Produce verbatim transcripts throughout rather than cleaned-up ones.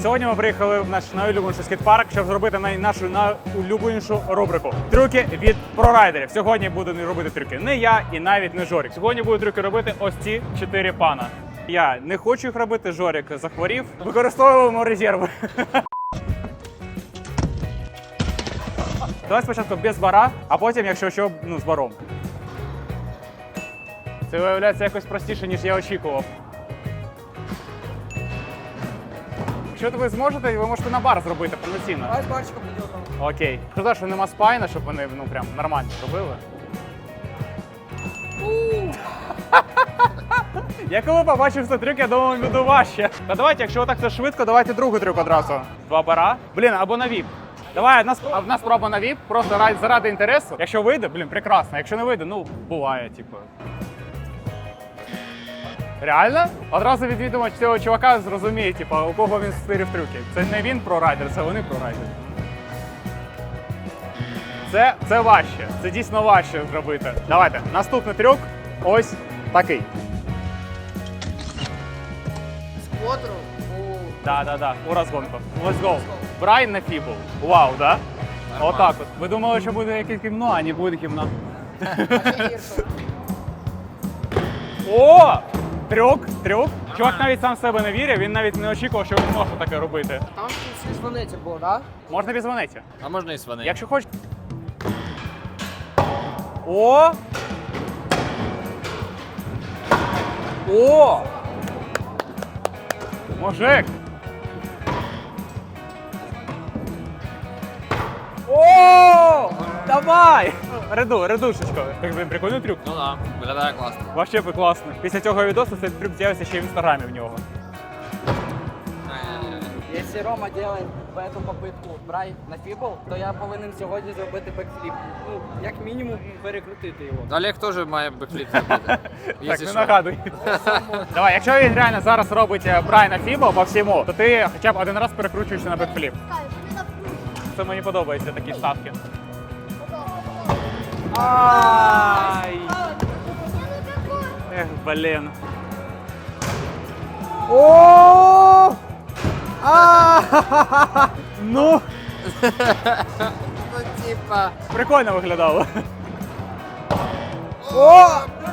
Сьогодні ми приїхали в наш найулюбленіший скейт-парк, щоб зробити най- нашу найулюбленішу рубрику. Трюки від прорайдерів. Сьогодні буду не робити трюки не я і навіть не Жорік. Сьогодні буду трюки робити ось ці чотири пана. Я не хочу їх робити, Жорік захворів. Використовуємо резерви. Давай спочатку без бара, а потім, якщо що, ну, з баром. Це виявляється якось простіше, ніж я очікував. Якщо ви зможете, ви можете на бар зробити повноцінно. Давай з барчиком підемо. Окей. Шкода, що нема спайна, щоб вони ну, прям нормально зробили. Я коли побачив цей трюк, я думав, буде важче. Та давайте, якщо отак це швидко, давайте другий трюк одразу. Два бара. Блін, або на віп. Давай, одна, сп- одна спроба на віп, просто ради, заради інтересу. Якщо вийде, блін, прекрасно. Якщо не вийде, ну, буває, типу. Реально? Одразу від відомо цього чувака зрозуміє, типу, у кого він стирив трюки. Це не він прорайдер, це вони прорайдери. Це, це важче, це дійсно важче зробити. Давайте, наступний трюк ось такий. Сквотеру. Да, да, да, у розгонку. Let's go. Брайан на фібл. Вау, да? Отак от. Ви думали, що буде якесь гімно, а не буде гімно. О! Трюк, трюк. Чувак навіть сам в себе не вірив, він навіть не очікував, що він може таке робити. Там в сванеті було, так? Можна без монеті. А можна і свани. Якщо хочеш. О! О! Мужик! О! Давай! Реду, редушечко. Так, блин, прикольний трюк. Ну да, виглядає класно. Вообще би класно. Після цього відосу цей трюк з'явиться ще й в інстаграмі в нього. Якщо Рома робить в эту попитку брай на фібл, то я повинен сьогодні зробити бекфліп. Ну, як мінімум, перекрутити його. Олег теж має бекфліп зробити. Так, Якщо не що. нагадуй. Давай, якщо він реально зараз робить брайна фібл по всьому, то ти хоча б один раз перекручуєшся на бекфліп. Це мені подобаються такі ставки. Ай! Ех, блін. О! А! Ну, Ну, типа. прикольно виглядало. О!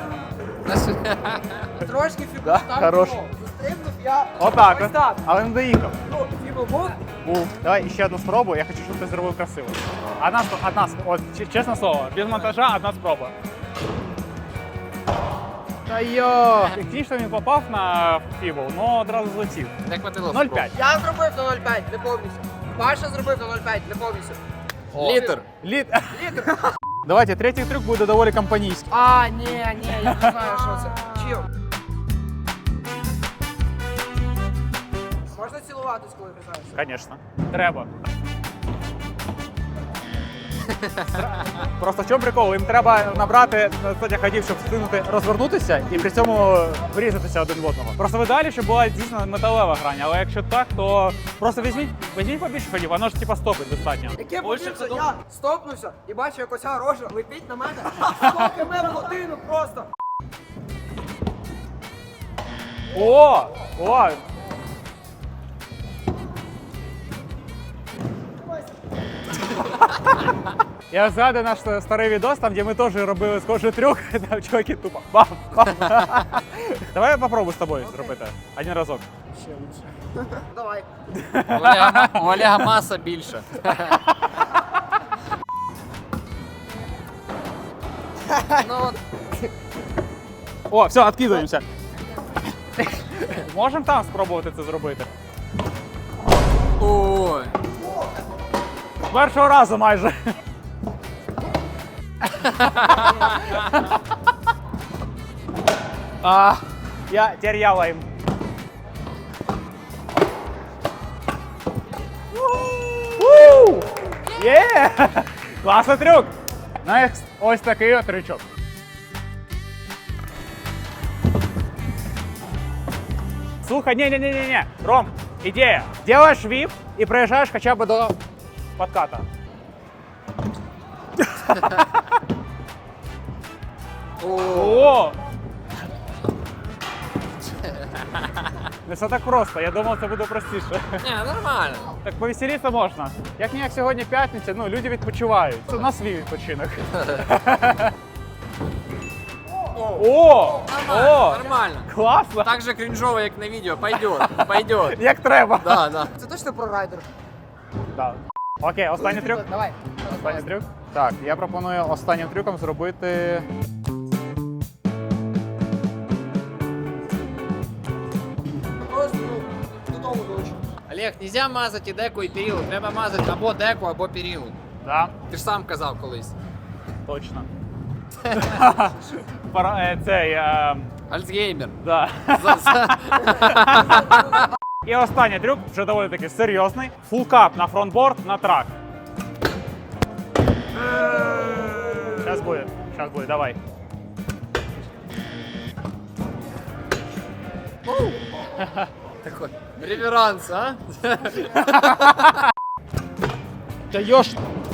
Трошки фібл Да, так хорош. було. Застрибнув я. Отак, Ось от. так. Але не доїхав. Ну, фібл був. Був. Давай ще одну спробу, я хочу, щоб ти зробив красиво. Одна, спро- одна сп- от, ч- чесне слово, без монтажа одна спроба. Та йо! Технічно він попав на фібл, але одразу злетів. Як мотило. нуль п'ять. Я зробив на нуль п'ять, не повністю. Паша зробив на нуль п'ять, не повністю. Літр. Літ. Давайте, третій трюк буде доволі компанійський. А, ні, ні, я не знаю, що це. Чим? Можна цілуватись, коли катаєшся? Звісно. Треба. Просто в чому прикол? Їм треба набрати достатньо ходів, щоб встигнути розвернутися і при цьому врізатися один в одного. Просто в ідеалі, щоб була дійсно металева грань, але якщо так, то просто візьміть, візьміть побільше ходів, воно ж типа стопить достатньо. Яке Більше подивився, це я стопнувся і бачу, як оця рожа летить на мене сто кілометрів в годину просто. О! О! Я згадую наш старий відос, там, де ми теж робили схожий трюк, там чуваки тупо бам, бам. Давай я попробую з тобою зробити один разок. Ще лучше. Давай. У Олега, у Олега маса більша. Ну от. О, все, відкидаємося. Можемо там спробувати це зробити? Ой. З першого разу майже. А, я теряла їм. Уу! Є! Класний трюк! Next, ось такий от трючок. Слухай, не-не-не-не, Ром, идея. Делаешь вип и проезжаешь хотя бы до подката. О! Не все так просто, я думав, це буде простіше. Ні, нормально. Так повеселитися можна. Як ніяк сьогодні п'ятниця, ну люди відпочивають. Це на свій відпочинок. О! Нормально, О! нормально. Класно! Так же крінжово, як на відео. Пойдет, пойдет. Як треба. Да, да. Це точно про райдер? Да. Окей, останній трюк. Давай. Останній трюк. Так, я пропоную останнім трюком зробити. Просто додому долучу. Олег, нельзя мазати і деку, і перилу. Треба мазати або деку, або перилу. Да, Ти ж сам казав колись. точно. Пора, е, цей. Е, Альцгеймер. да. За- за- І останній трюк, вже доволі таки серйозний. Фулкап на фронтборд на трак. Зараз буде, зараз буде, давай. Такой реверанс, а? Даєш.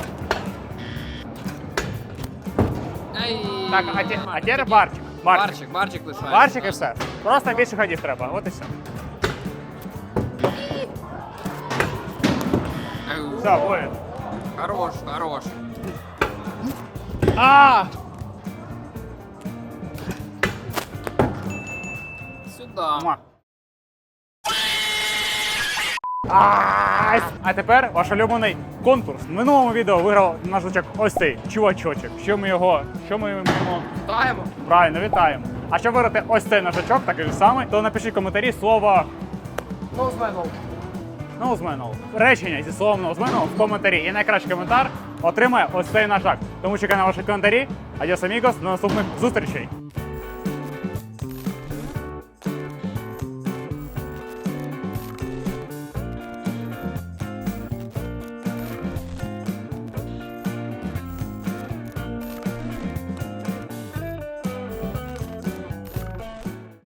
Ай. Так, а, те, а тепер барчик. Барчик. Барчик, барчик лишається. Барчик і все. Просто більше ходів треба, от і все. Ау. Все, буде. Хорош, хорош. А! Сюда. Муа. Ай! А тепер ваш улюблений конкурс. В минулому відео виграв наш жучок ось цей чувачочок. Що ми його, що ми йому Вітаємо. правильно вітаємо. А щоб виграти ось цей ножачок, такий же самий, то напишіть в коментарі слово Ноузменов. «ноузменол». Речення зі словом «ноузменол» в коментарі. І найкращий коментар отримає ось цей ножак. Тому чекаю на ваші коментарі. Адіос, амігос, до наступних зустрічей.